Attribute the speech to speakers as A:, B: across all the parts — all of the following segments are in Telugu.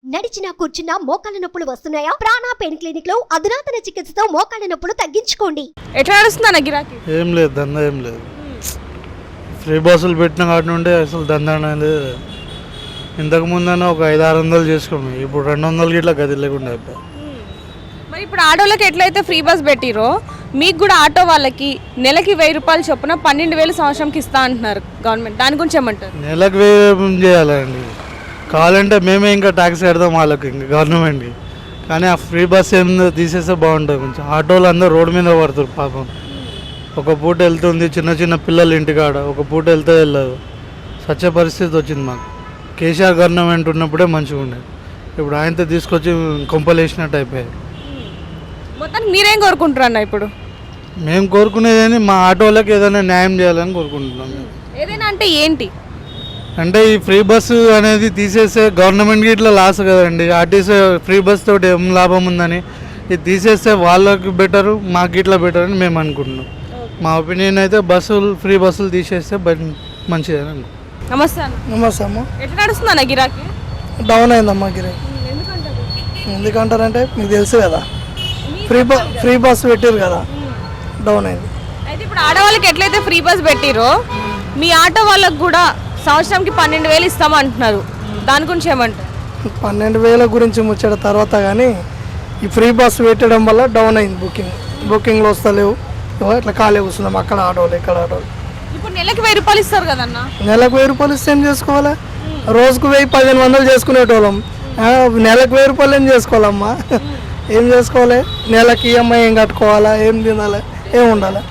A: నడిచినా కూర్చున్నా మోకాళ్ళ నొప్పులు వస్తున్నాయా? ప్రాణ పెయిన్ క్లినిక్ లో అధునాతన చికిత్సతో మోకాళ్ళ నొప్పులు తగ్గించుకోండి.
B: ఎట్లా నడుస్తుందన్న గిరాకీ?
C: ఏం లేదు, దందా ఏం లేదు. ఫ్రీ బస్సులు పెట్టిన కాటి నుండి అసలు దందా అనేది ఇంతకు ముందన్నా ఒక 500-600 చేసుకున్నాం. ఇప్పుడు 200 గిట్లా గది లేకుండా అయిపోయి.
B: మరి ఇప్పుడు ఆటోలకి ఎట్లయితే ఫ్రీ బస్ పెట్టిరో మీకు కూడా ఆటో వాళ్ళకి నెలకి 1000 రూపాయలు చొప్పున 12,000 సంవత్సరంకి ఇస్తా అంటున్నారు గవర్నమెంట్. దాని గురించి ఏమంటారు?
C: నెలకు 1000 చేయాలండి. కావాలంటే మేమే ఇంకా ట్యాక్స్ కడతాం వాళ్ళకి, ఇంకా గవర్నమెంట్కి. కానీ ఆ ఫ్రీ బస్ ఏందో తీసేస్తే బాగుంటుంది. కొంచెం ఆటోలు అందరూ రోడ్డు మీద పడుతారు పాపం. ఒక పూట వెళ్తుంది, చిన్న చిన్న పిల్లలు ఇంటికాడ ఒక పూట వెళ్తే వెళ్ళదు. సత్య పరిస్థితి వచ్చింది మాకు. కేసీఆర్ గవర్నమెంట్ ఉన్నప్పుడే మంచిగా ఉండేది. ఇప్పుడు ఆయనతో తీసుకొచ్చి కొంపలు వేసినట్టు అయిపోయాయి.
B: మొత్తానికి మీరేం కోరుకుంటారు అన్న? ఇప్పుడు
C: మేము కోరుకునేది మా ఆటోలకు ఏదైనా న్యాయం చేయాలని కోరుకుంటున్నాం.
B: ఏదైనా అంటే ఏంటి?
C: అంటే ఈ ఫ్రీ బస్సు అనేది తీసేస్తే గవర్నమెంట్కి ఇట్లా లాస్ కదండి. ఆర్టీసీ ఫ్రీ బస్ తోటి ఏం లాభం ఉందని ఇది తీసేస్తే వాళ్ళకి బెటరు, మాకు ఇట్లా బెటర్ అని మేము అనుకుంటున్నాం. మా ఒపీనియన్ అయితే ఫ్రీ బస్సులు తీసేస్తే మంచిదని అనుకుంటున్నాం.
B: నమస్తే అన్న.
D: నమస్తే అమ్మ.
B: ఎట్లా నడుస్తుంది అన్న గిరాకీ?
D: డౌన్ అయిందమ్మా గిరాకీ. ఎందుకంటారంటే మీకు తెలుసు కదా, ఫ్రీ బస్ పెట్టారు కదా, డౌన్ అయింది.
B: అయితే ఇప్పుడు ఆడవాళ్ళకి ఎట్లయితే ఫ్రీ బస్ పెట్టిరో మీ ఆటో వాళ్ళకి కూడా సంవత్సరంకి 12,000 ఇస్తామంటున్నారు. దాని గురించి ఏమంటారు?
D: 12,000 గురించి ముచ్చట తర్వాత, కానీ ఈ ఫ్రీ బస్ పెట్టడం వల్ల డౌన్ అయింది. బుకింగ్లో వస్తలేవు. ఇట్లా ఖాళీ కూర్చున్నాం, అక్కడ ఆటోలు ఇక్కడ ఆటోలు.
B: ఇప్పుడు నెలకి 1000 రూపాయలు ఇస్తారు కదన్న.
D: నెలకు 1000 రూపాయలు ఇస్తే ఏం చేసుకోవాలి? రోజుకు 1000-1500 చేసుకునేటోళ్ళం. నెలకు 1000 రూపాయలు ఏం చేసుకోవాలమ్మా? ఏం చేసుకోవాలి? నెలకి ఈఎంఐ ఏం కట్టుకోవాలా? ఏం తినాలి? ఏం ఉండాలి?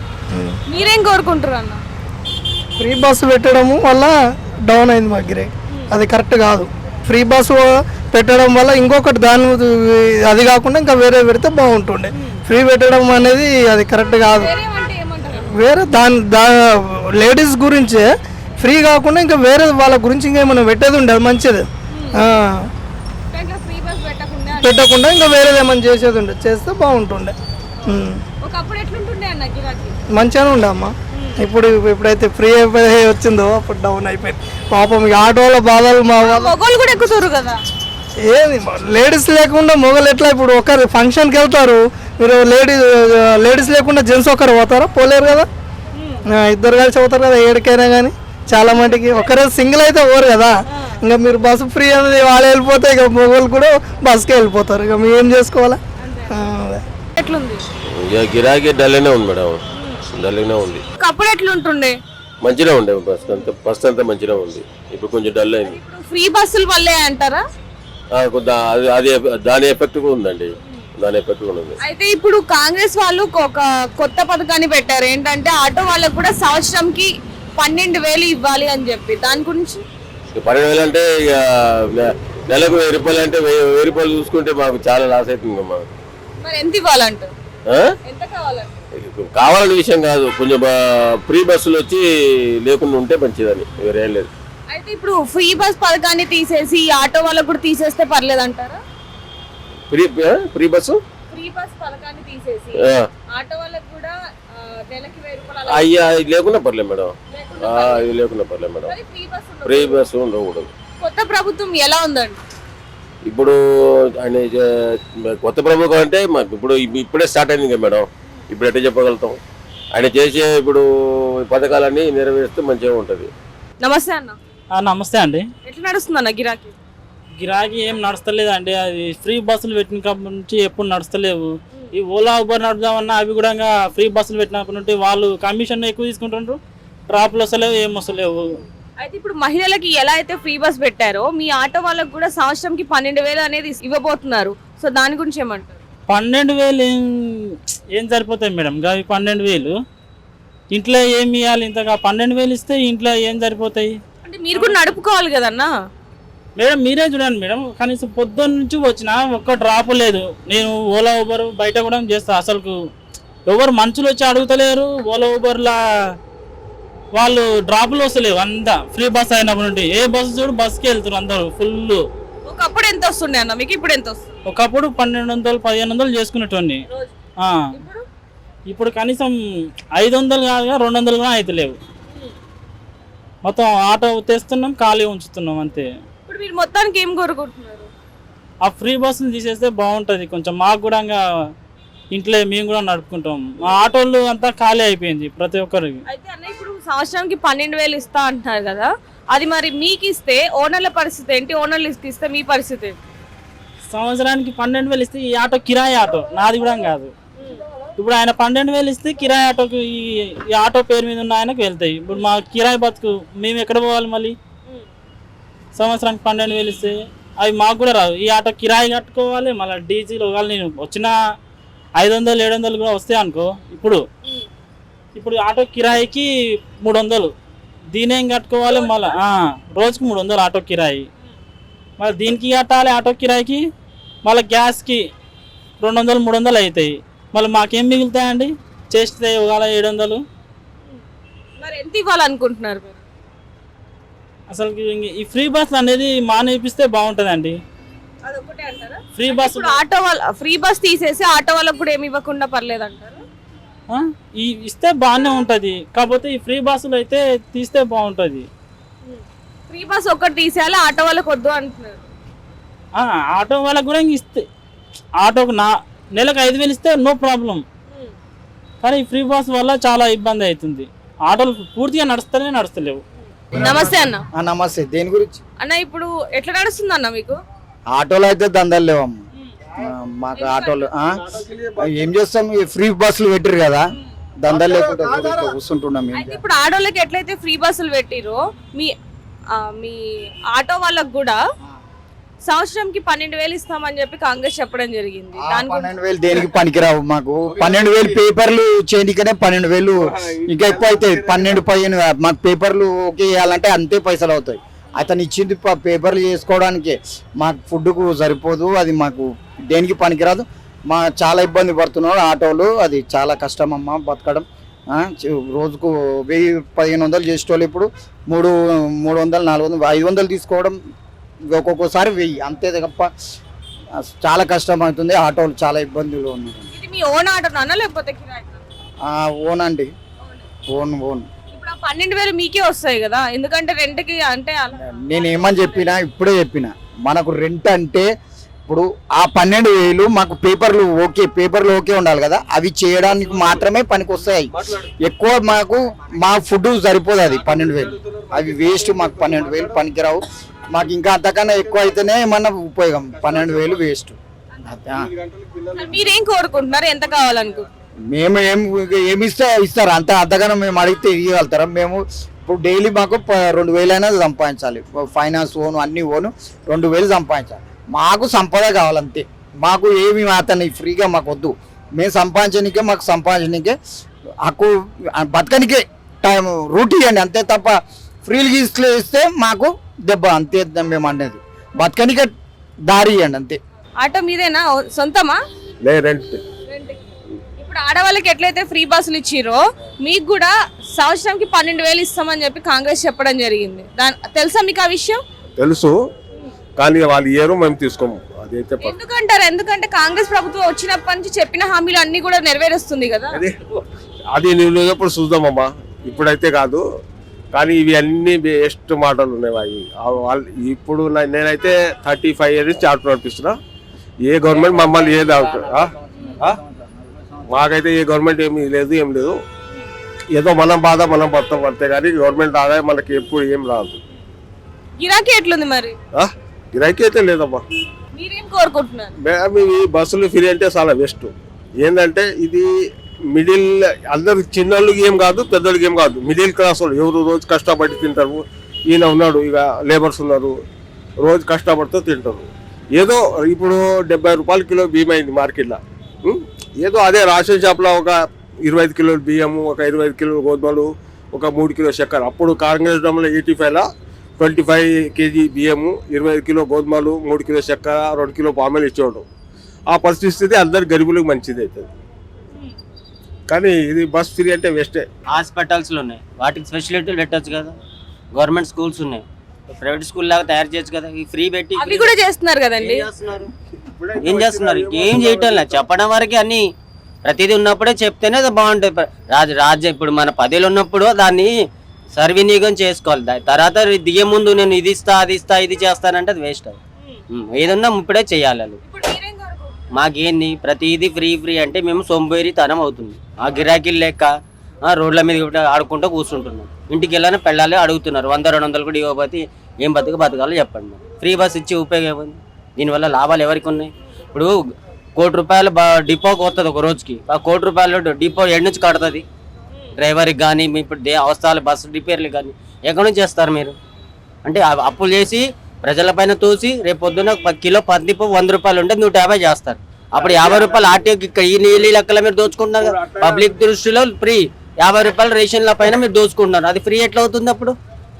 B: మీరేం కోరుకుంటారు అన్న?
D: ఫ్రీ బస్సు పెట్టడము వల్ల డౌన్ అయింది మా గిరాకీ. అది కరెక్ట్ కాదు. ఫ్రీ బస్సు పెట్టడం వల్ల ఇంకొకటి దాని అది కాకుండా ఇంకా వేరే పెడితే బాగుంటుండే. ఫ్రీ పెట్టడం అనేది అది కరెక్ట్ కాదు. వేరే లేడీస్ గురించే ఫ్రీ కాకుండా ఇంకా వేరే వాళ్ళ గురించి ఇంకేమైనా పెట్టేది ఉండే అది మంచిది. పెట్టకుండా ఇంకా వేరేది ఏమైనా చేసేది ఉండే, చేస్తే బాగుంటుండే. మంచిగానే ఉండే అమ్మ. ఇప్పుడైతే ఫ్రీ అయిపోయి వచ్చిందో అప్పుడు డౌన్ అయిపోయింది. పాపం ఈ ఆటోల బాధలు మా
B: మొగోళ్ళు కూడా ఎక్కుతారు కదా.
D: ఏది లేడీస్ లేకుండా మొగలు ఎట్లా? ఇప్పుడు ఒకరు ఫంక్షన్కి వెళ్తారు, మీరు లేడీస్ లేకుండా జెంట్స్ ఒకరు పోతారా? పోలేరు కదా. ఇద్దరు కలిసి పోతారు కదా ఏడికైనా. కానీ చాలా మటుకి ఒకరే సింగిల్ అయితే పోరు కదా. ఇంకా మీరు బస్సు ఫ్రీ అనేది వాళ్ళు వెళ్ళిపోతే ఇక మొగలు కూడా బస్కే వెళ్ళిపోతారు. ఇక మేము ఏం చేసుకోవాలా?
B: ఎట్లుంది
E: గిరాకీ? డల్గానే ఉంది మేడం, డల్గానే ఉంది.
B: అప్పుడు ఎట్లుంటుండే?
E: మంచిగా ఉండే ఫస్ట్ అంతా మంచిగా ఉంది. ఇప్పుడు కొంచెం డల్ అయింది.
B: ఫ్రీ బస్సులు వల్లే అంటారా?
E: అది దాని ఎఫెక్ట్ కూడా ఉందండి, దాని ఎఫెక్ట్ కూడా ఉంది.
B: అయితే ఇప్పుడు కాంగ్రెస్ వాళ్ళు ఒక కొత్త పథకాన్ని పెట్టారు. ఏంటంటే ఆటో వాళ్ళకు కూడా సంవత్సరంకి 12,000 ఇవ్వాలి అని చెప్పి. దాని గురించి
E: 12,000 అంటే ఇక నెలకు 1000 రూపాయలు అంటే 1000 రూపాయలు చూసుకుంటే మాకు చాలా లాస్ అవుతుంది. మాకు
B: మరి ఎంత ఇవ్వాలంటారు? ఎంత కావాలంటే
E: కావాలనే విషయం కాదు, కొంచెం ఫ్రీ బస్సులు వచ్చి లేకుండా ఉంటే మంచిదని, వేరేం లేదు.
B: అయితే ఇప్పుడు ఫ్రీ బస్ పథకాన్ని తీసేసి ఆటో వాళ్ళకు కూడా తీసేస్తే పర్లేదు అంటారా?
E: ఫ్రీ బస్సు
B: పథకాన్ని తీసేసి ఆటో వాళ్ళకు కూడా నెలకి 1000 రూపాయలు
E: అయ్యా లేకుండా పర్లేదు మేడం, ఇది లేకుండా పర్లేదు మేడం. ఫ్రీ బస్సు ఉండకూడదు.
B: కొత్త ప్రభుత్వం ఎలా ఉందండి?
E: ఇప్పుడు ఆయన కొత్త ప్రభుత్వం అంటే ఇప్పుడే స్టార్ట్ అయింది కదా మేడం. ఇప్పుడు ఎట్లా చెప్పగలుగుతాం? ఆయన చేసే ఇప్పుడు పథకాలన్నీ నెరవేరుస్తే మంచిగా ఉంటుంది.
B: నమస్తే అన్న.
F: నమస్తే అండి.
B: ఎట్లా నడుస్తుంది అన్న గిరాకీ?
F: గిరాకీ ఏం నడుస్తలేదు అండి. అది ఫ్రీ బస్సులు పెట్టినప్పటి నుంచి ఎప్పుడు నడుస్తలేవు. ఈ ఓలా ఊబర్ నడుపుదామన్నా అవి కూడా ఫ్రీ బస్సులు పెట్టినప్పటి నుండి వాళ్ళు కమిషన్ ఎక్కువ తీసుకుంటుండ్రు. ట్రాప్లు వస్తలేవు, ఏం వస్తలేవు.
B: అయితే ఇప్పుడు మహిళలకి ఎలా అయితే ఫ్రీ బస్ పెట్టారో మీ ఆటో వాళ్ళకి కూడా సంవత్సరంకి 12,000 అనేది ఇవ్వబోతున్నారు. సో దాని గురించి ఏమంటారు?
F: 12,000 ఏం సరిపోతాయి మేడం? అవి 12,000 ఇంట్లో ఏమి ఇవ్వాలి? ఇంతగా 12,000 ఇస్తే ఇంట్లో ఏం సరిపోతాయి?
B: అంటే మీరు కూడా నడుపుకోవాలి కదన్నా
F: మేడం. మీరే చూడండి మేడం, కనీసం పొద్దున్న నుంచి వచ్చినా ఒక్క డ్రాప్ లేదు. నేను ఓలా ఊబర్ బయట కూడా చేస్తా. అసలు ఎవరు మనుషులు వచ్చి అడుగుతలేరు. ఓలా ఊబర్లా వాళ్ళు డ్రాపులు వస్తలేవు. అంతా ఫ్రీ బస్ అయినప్పటి నుండి ఏ బస్సు చూడు బస్కి వెళ్తారు అందరూ ఫుల్.
B: ఒకప్పుడు ఎంత వస్తుండే అన్న మీకు? ఇప్పుడు ఎంత వస్తుంది?
F: ఒకప్పుడు 1,200-1,500 చేసుకునేటోని. ఇప్పుడు కనీసం 500 కాదుగా 200 కూడా అవుతలేవు. మొత్తం ఆటో తెస్తున్నాం, ఖాళీ ఉంచుతున్నాం అంతే.
B: ఇప్పుడు మీరు మొత్తానికి ఏం కోరుకుంటున్నారు?
F: ఆ ఫ్రీ బస్సులు తీసేస్తే బాగుంటుంది కొంచెం. మాకు కూడా ఇంకా ఇంట్లో మేము కూడా నడుపుకుంటాం. మా ఆటోలు అంతా ఖాళీ అయిపోయింది ప్రతి ఒక్కరికి.
B: అయితే అన్న ఇప్పుడు సంవత్సరానికి 12,000 ఇస్తా అంటున్నారు కదా, అది మరి మీకు ఇస్తే ఓనర్ల పరిస్థితి ఏంటి? ఓనర్లు ఇస్తే మీ పరిస్థితి ఏంటి?
F: సంవత్సరానికి 12,000 ఇస్తే ఈ ఆటో కిరాయి ఆటో నాది కూడా కాదు. ఇప్పుడు ఆయన 12,000 ఇస్తే కిరాయి ఆటోకి ఈ ఆటో పేరు మీద ఉన్న ఆయనకు వెళ్తాయి. ఇప్పుడు మా కిరాయి బతుకు మేము ఎక్కడ పోవాలి మళ్ళీ? సంవత్సరానికి 12,000 ఇస్తే అవి మాకు కూడా రావు. ఈ ఆటో కిరాయి కట్టుకోవాలి, మళ్ళీ డీజిల్ ఒకవేళ నేను వచ్చిన 500-700 కూడా వస్తాయి అనుకో. ఇప్పుడు ఆటో కిరాయికి 300, దీనేం కట్టుకోవాలి మళ్ళీ రోజుకి 300 ఆటో కిరాయి. మళ్ళీ దీనికి కట్టాలి ఆటో కిరాయికి, మళ్ళీ గ్యాస్కి 200-300 అవుతాయి. మళ్ళీ మాకేం మిగులుతాయండి చేస్తే ఒకవేళ 700?
B: మరి ఎంత ఇవ్వాలనుకుంటున్నారు మీరు?
F: అసలు ఈ ఫ్రీ బస్ అనేది మానేపిస్తే బాగుంటుందండి.
B: అదొకటే అంటారా?
F: ఫ్రీ బస్
B: ఇప్పుడు ఆటో వాళ్ళ ఫ్రీ బస్ తీసేసి ఆటో వాళ్ళకు కూడా ఏమి ఇవ్వకుండా పర్లేదు అంటారు?
F: ఈ ఇస్తే బాగానే ఉంటుంది, కాకపోతే ఈ ఫ్రీ బస్సులు అయితే తీస్తే బాగుంటుంది.
B: ఫ్రీ బస్ ఒక్కటి తీసేయాలి, ఆటో వాళ్ళకి వద్దు అంటున్నారు.
F: ఆటో వాళ్ళకి కూడా ఇంక ఇస్తే ఆటోకు నెలకు 5,000 ఇస్తే నో ప్రాబ్లం. కానీ ఈ ఫ్రీ బస్ వల్ల చాలా ఇబ్బంది అవుతుంది. ఆటోలు పూర్తిగా నడుస్తలేవు.
B: నమస్తే అన్న.
G: నమస్తే. దేని గురించి
B: అన్న ఇప్పుడు ఎట్లా నడుస్తుంది అన్న మీకు?
G: ఆటోలు అయితే దందాలు లేవమ్మ మాకు. ఆటోలు ఏం చేస్తాం, ఈ ఫ్రీ బస్సులు పెట్టారు కదా, దందాలు లేకుండా కూర్చుంటున్నాం.
B: అయితే ఇప్పుడు ఆటోలకి ఎట్లయితే ఫ్రీ బస్సులు పెట్టిరో మీ ఆటో వాళ్ళకు కూడా సంవత్సరంకి 12,000 ఇస్తామని చెప్పి కాంగ్రెస్ చెప్పడం జరిగింది.
G: 12,000 దేనికి పనికిరావు మాకు. 12,000 పేపర్లు చేయడానికనే 12,000 ఇంకా ఎక్కువ అవుతాయి. 12-15 మాకు పేపర్లు ఓకే చేయాలంటే అంతే పైసలు అవుతాయి. అతను ఇచ్చింది పేపర్లు చేసుకోవడానికి, మాకు ఫుడ్కు సరిపోదు. అది మాకు దేనికి పనికిరాదు. చాలా ఇబ్బంది పడుతున్నాడు ఆటోలు. అది చాలా కష్టం అమ్మ బతకడం. రోజుకు 1,000-1,500 చేసేటోళ్ళు ఇప్పుడు 300-400 500 తీసుకోవడం, ఒక్కొక్కసారి 1000 అంతే తప్ప చాలా కష్టం అవుతుంది. ఆటోలు చాలా ఇబ్బందులు ఉన్నాయి.
B: ఇది మీ ఓన్ ఆటోనా లేకపోతే కిరాయి?
G: ఓన్ అండి, ఓన్.
B: ఇప్పుడు 12,000 మీకే వస్తాయి కదా, ఎందుకంటే రెంట్కి అంటే
G: నేను ఏమని ఇప్పుడే చెప్పిన మనకు రెంట్ అంటే ఇప్పుడు ఆ 12,000 మాకు పేపర్లు ఓకే ఉండాలి కదా, అవి చేయడానికి మాత్రమే పనికి వస్తాయి. ఎక్కువ మాకు మా ఫుడ్ సరిపోదు. అది 12,000 అవి వేస్ట్. మాకు 12,000 పనికిరావు. మాకు ఇంకా అంతకన్నా ఎక్కువ అయితేనే ఏమన్నా ఉపయోగం. 12,000 వేస్ట్.
B: మీరేం కోరుకుంటున్నారు, ఎంత కావాలనుకుంటున్నారు?
G: మేము ఏమి ఇస్తారు అంతకన్నా మేము అడిగితే ఇవ్వగలుగుతారా? మేము ఇప్పుడు డైలీ మాకు 2,000 అయినా సంపాదించాలి. ఫైనాన్స్ ఓను అన్ని ఓను 2,000 సంపాదించాలి. మాకు సంపద కావాలంతే. మాకు ఏమి అతన్ని ఫ్రీగా మాకు వద్దు. మేము సంపాదించడానికే, మాకు సంపాదించడానికే హక్కు, బతకనికే టైం రూట్ ఇవ్వండి అంతే తప్ప ఫ్రీలు ఇస్తే మాకు దెబ్బ అంతే. మేము అనేది బతకనికే దారి ఇవ్వండి అంతే.
B: ఆటో మీదేనా, సొంతమా?
E: రెంట్.
B: ఇప్పుడు ఆడవాళ్ళకి ఎట్లయితే ఫ్రీ బస్సులు ఇచ్చిరో మీకు కూడా సంవత్సరంకి 12,000 ఇస్తామని చెప్పి కాంగ్రెస్ చెప్పడం జరిగింది. తెలుసా మీకు ఆ విషయం?
E: తెలుసు, కానీ వాళ్ళు ఇయ్యరు, మేము తీసుకోము. అదైతే
B: ఎందుకంటారు? ఎందుకంటే కాంగ్రెస్ ప్రభుత్వం వచ్చినప్పటి నుంచి చెప్పిన హామీలు అన్ని కూడా నెరవేరుస్తుంది కదా.
E: అది నువ్వు ఎప్పుడు చూద్దామమ్మా, ఇప్పుడైతే కాదు. కానీ ఇవి అన్ని బెస్ట్ మాటలు ఉన్నాయి. వాళ్ళు ఇప్పుడు నేనైతే 35 years నుంచి ఆటో నడిపిస్తున్నా. ఏ గవర్నమెంట్ మమ్మల్ని ఏది మాకైతే ఏ గవర్నమెంట్ ఏం లేదు. ఏదో మనం బాధ మనం పడతాం అంతే, కానీ గవర్నమెంట్ ఆదాయం మనకి ఎప్పుడు ఏం రాదు.
B: గిరాకీ ఎట్లుంది మరి?
E: గిరాకీ అయితే లేదమ్మా.
B: మీరేం కోరుకుంటున్నారు?
E: ఈ బస్సులు ఫ్రీ అంటే చాలా బెస్ట్. ఏంటంటే ఇది మిడిల్, అందరికి చిన్నోళ్ళకి ఏం కాదు, పెద్దోళ్ళకి ఏం కాదు, మిడిల్ క్లాస్ వాళ్ళు ఎవరు రోజు కష్టపడి తింటారు. ఈయన ఉన్నాడు, ఇక లేబర్స్ ఉన్నారు, రోజు కష్టపడుతూ తింటారు. ఏదో ఇప్పుడు 70 రూపాయల కిలో బియ్యం అయింది మార్కెట్లో. ఏదో అదే రేషన్ షాప్లో ఒక 25 కిలోలు బియ్యము, ఒక 25 కిలోలు గోధుమలు, ఒక 3 కిలో చక్కెర. అప్పుడు కాంగ్రెస్ డమ్లో 85లో 25 kg బియ్యము, 25 కిలో గోధుమలు, 3 కిలో చక్కెర, 2 కిలో పామెలు ఇచ్చేవాడు. ఆ పరిస్థితి అందరు గరీబులకు మంచిది అవుతుంది. కానీ ఇది బస్ ఫ్రీ అంటే వేస్టే.
H: హాస్పిటల్స్లు ఉన్నాయి, వాటికి ఫెసిలిటీలు పెట్టచ్చు కదా. గవర్నమెంట్ స్కూల్స్ ఉన్నాయి, ప్రైవేట్ స్కూల్ లాగా తయారు చేయొచ్చు కదా. ఈ ఫ్రీ పెట్టి
B: అవి కూడా చేస్తున్నారు కదండి.
H: ఏం చేస్తున్నారు? ఏం చేయటం లేదు, చెప్పడం వరకే. అన్ని ప్రతిదీ ఉన్నప్పుడే చెప్తేనే అది బాగుంటుంది. రాజ్యం ఇప్పుడు మన 10 ఉన్నప్పుడు దాన్ని సర్వినియోగం చేసుకోవాలి. తర్వాత దిగే ముందు నేను ఇది ఇస్తా అది ఇస్తా ఇది చేస్తానంటే అది వేస్ట్. అది ఏదన్నా ఇప్పుడే చేయాలి వాళ్ళు.
B: ఇప్పుడు మీరేం కోరుకుంటున్నారు?
H: మాకేంది ప్రతిదీ ఫ్రీ అంటే మేము సొంబేరితనం అవుతుంది. ఆ గిరాకీలు లెక్క రోడ్ల మీద కూడా ఆడుకుంటూ కూర్చుంటున్నాం. ఇంటికి వెళ్ళాలని పెళ్ళాలి అడుగుతున్నారు. 100-200 కూడా ఇవ్వకపోతే ఏం బతకాలో చెప్పండి. ఫ్రీ బస్ ఇచ్చి ఉపయోగం ఏముంది? దీనివల్ల లాభాలు ఎవరికి ఉన్నాయి? ఇప్పుడు ₹1,00,00,000 డిపోకి వస్తుంది ఒక రోజుకి. ఆ ₹1,00,00,000 డిపో ఎక్కడి నుంచి కడుతుంది? డ్రైవర్కి కానీ ఇప్పుడు అవసరాలు బస్సు రిపేర్లు కానీ ఎక్కడి నుంచి చేస్తారు మీరు? అంటే అప్పులు చేసి ప్రజలపైన తోసి రేపు పొద్దున్న కిలో పత్తిపప్పు ₹100 ఉంటే 150 చేస్తారు. అప్పుడు ₹50 ఆర్టీఓకి ఈ నీళ్ళు లెక్కల మీరు దోచుకుంటున్నారు కదా. పబ్లిక్ దృష్టిలో ఫ్రీ ₹50 రేషన్ల పైన మీరు దోచుకుంటున్నారు. అది ఫ్రీ ఎట్లా అవుతుంది అప్పుడు?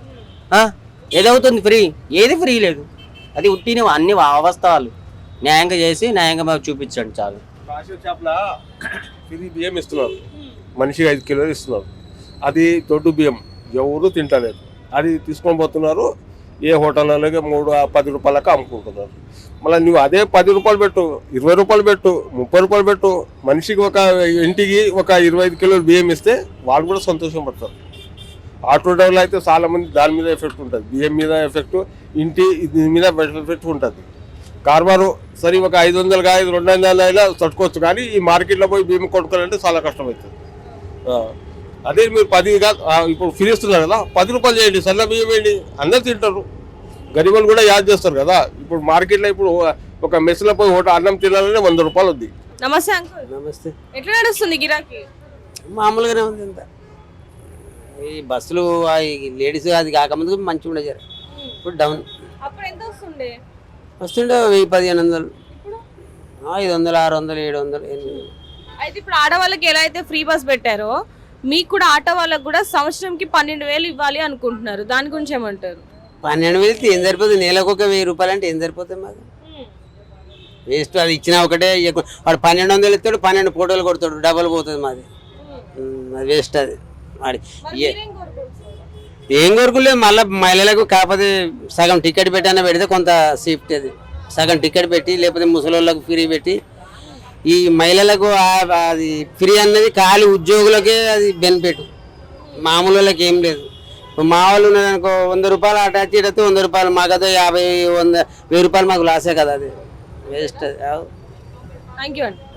H: ఏదవుతుంది ఫ్రీ? ఏది ఫ్రీ లేదు. అది ఉట్టిన అన్ని అవస్థలు న్యాయంగా చేసి న్యాయంగా మాకు చూపించండి చాలు.
E: రేషన్ షాప్లో ఫ్రీ బియ్యం ఇస్తున్నారు, మనిషికి 5 కిలోలు ఇస్తున్నారు. అది దొడ్డు బియ్యం ఎవరు తింటలేదు. అది తీసుకొని పోతున్నారు ఏ హోటళ్ళకి ₹10 అమ్ముకుంటున్నారు. మళ్ళీ నువ్వు అదే ₹10 పెట్టు, ₹20 పెట్టు, ₹30 పెట్టు, మనిషికి ఒక ఇంటికి ఒక 25 కిలోలు బియ్యం ఇస్తే వాళ్ళు కూడా సంతోషం పడతారు. ఆటో డ్రైవర్లు అయితే చాలా మంది దాని మీద ఎఫెక్ట్ ఉంటుంది, బియ్యం మీద ఎఫెక్ట్, దీని మీద ఎఫెక్ట్ ఉంటుంది. కార్బారు సరే ఒక 500 కాదు 200 అయినా తట్టుకోవచ్చు, కానీ ఈ మార్కెట్లో పోయి బియ్యం కొనుక్కోవాలంటే చాలా కష్టమవుతుంది. అదే మీరు 10 కాదు ఇప్పుడు ఫ్రీ ఇస్తున్నారు కదా, ₹10 చేయండి, సన్న బియ్యం వేయండి, అందరు తింటారు. గరీబులు కూడా యాద్ చేస్తారు కదా. ఇప్పుడు మార్కెట్లో ఇప్పుడు ఒక మెస్లో పోయి అన్నం తినాలంటే ₹100 ఉంది.
B: నమస్తే అంకుల్.
I: నమస్తే.
B: ఎట్లా నడుస్తుంది గిరాకీ?
I: మామూలుగానే ఉంది అంత. ఈ బస్సులు లేడీస్ అది కాకముందు మంచిగా ఉండే జర, ఇప్పుడు డౌన్.
B: అప్పుడు ఎంత వస్తుండే?
I: వస్తుండే 1000-1500, 500, 600, 700, 800.
B: అయితే ఇప్పుడు ఆడవాళ్ళకి ఎలా అయితే ఫ్రీ బస్ పెట్టారో మీకు కూడా ఆటో వాళ్ళకి కూడా సంవత్సరంకి 12,000 ఇవ్వాలి అనుకుంటున్నారు. దాని గురించి ఏమంటారు?
I: 12,000 ఏం సరిపోతుంది? నెలకు ఒక ₹1000 అంటే ఏం సరిపోతుంది మాకు? వేస్ట్. అది ఇచ్చినా ఒకటే, వాడు 1200 ఇస్తాడు, 12 ఫోటోలు కొడతాడు, డబల్ పోతుంది మాది. అది వేస్ట్. అది వాడి ఏం కోరుకోలేదు. మళ్ళీ మహిళలకు కాకపోతే సగం టికెట్ పెట్టైనా పెడితే కొంత సేఫ్టీ. అది సగం టికెట్ పెట్టి లేకపోతే ముసలోళ్ళకు ఫ్రీ పెట్టి, ఈ మహిళలకు అది ఫ్రీ అన్నది ఖాళీ ఉద్యోగులకే అది బెనిఫిట్, మామూలు వాళ్ళకి ఏం లేదు. మా వాళ్ళు ఉన్నదనుకో ₹100 అటాచ్ చేయడంతో ₹100 మాకైతే 50, 100, ₹1000 మాకు లాసే కదా. అది వేస్ట్. అది
B: థ్యాంక్ యూ అండి.